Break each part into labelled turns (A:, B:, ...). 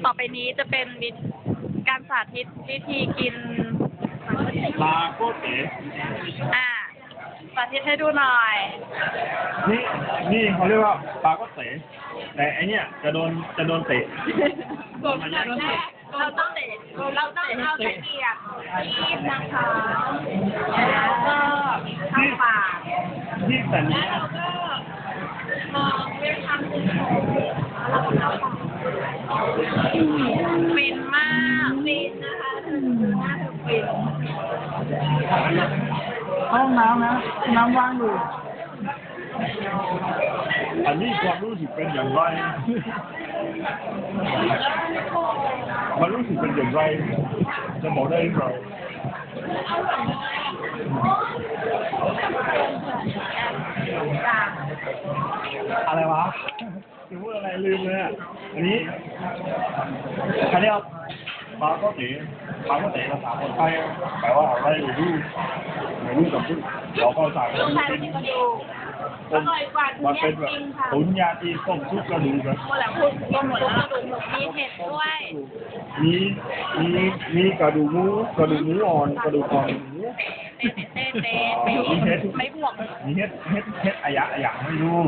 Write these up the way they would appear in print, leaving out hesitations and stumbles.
A: ต่อไปนี้จะเป็นการสาธิตวิธีกิน
B: ปลาโกเต๋
A: สาธิตให้ดูหน่อย
B: นี่เขาเรียกว่าปลาโกเต๋แต่ไอเนี้ยจะโดนเตะ
A: กดแรกเราต้องเอาตะเกียบคีบนะคะแล้วก็เข้าปาก
B: ที่แต่นี้
A: แล้วก็มองเรื่องทำสิ่งของแล้วก็เข้าปากฟินมากฟินนะคะน่าจะฟิน
C: ห้องน้ำนะน้ำว่างอยู่
B: อันนี้ความรู้สึกเป็นอย่างไรมันรู้สึกเป็นอย่างไรจะบอกได้หรือเปล่าอะไรวะจะพูดอะไรลืมเลยอ่ะอันนี้ปลาโกเต๋ภาษาคนไทยแปลว่าอะไรไม่รู้กับพูดเราก็สั่งมันเป็นแบบตุ๋นยาจีนต้มซุปกระดูกนะ
A: หมดแล้วคุณก็หมดแล้วมีเห็ดด้วย
B: มีกระดูกหมูอ่อนกระดูกอ่อนหมู
A: เต้ไม่บวก
B: มีเฮ็ดอะยะไม่รู้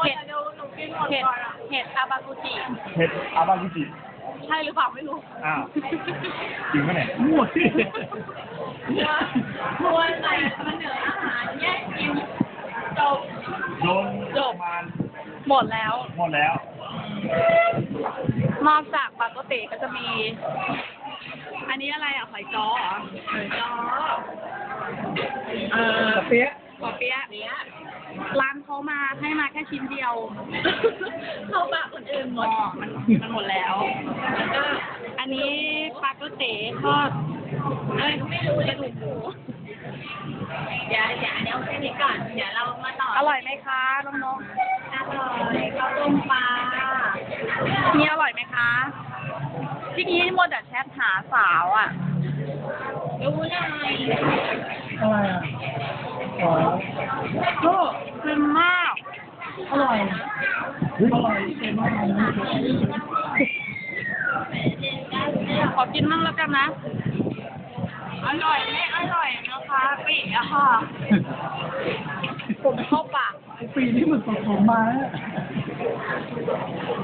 A: เห็ดอาบากุจิ
B: เฮ็ดอาบากุจิ
A: ใช่หรือเปล่าไม่รู้
B: อ้าวจริงปะเนี่ย
C: หมดที่
A: ควรใส่มันเหนืออาหารแยกกินจบ
B: โดนประมาณ
A: หมดแล้ว
B: หมดแล้ว
A: นอกจากปลาโกเตก็จะมี อันนี้อะไรอ่ะหอยจ้อเหรอหอยจ้อ
C: เปี๊ยะ
A: ปอเปี๊ยะร้านเขามาให้มาแค่ชิ้นเดียว เข้าปากคนอื่นหมดมันหมดแล้วแล้วก็อันนี้ปลาโกเตทอดไม่รู้กระดูกหมูเดี๋ยวเอาแค่นี้ก่อนเดี๋ยวเรามาต่ออร่อยไหมคะน้องๆอร่อยข้าวต้มปลานี่อร่อยไหมคะที่นี้มัวแต่แชทหาสาวอ่ะรู้หน่อย
C: อะไรอ่ะอ๋อ
A: ก็ฟินมาก
C: อร่อยเค็มมาก
A: ขอกินมั่งแล้วกันนะ อร่อยไม่อร่อยนะคะปีอะค่ะ ผมเข้าปาก
C: ปีนี้มันสดๆมา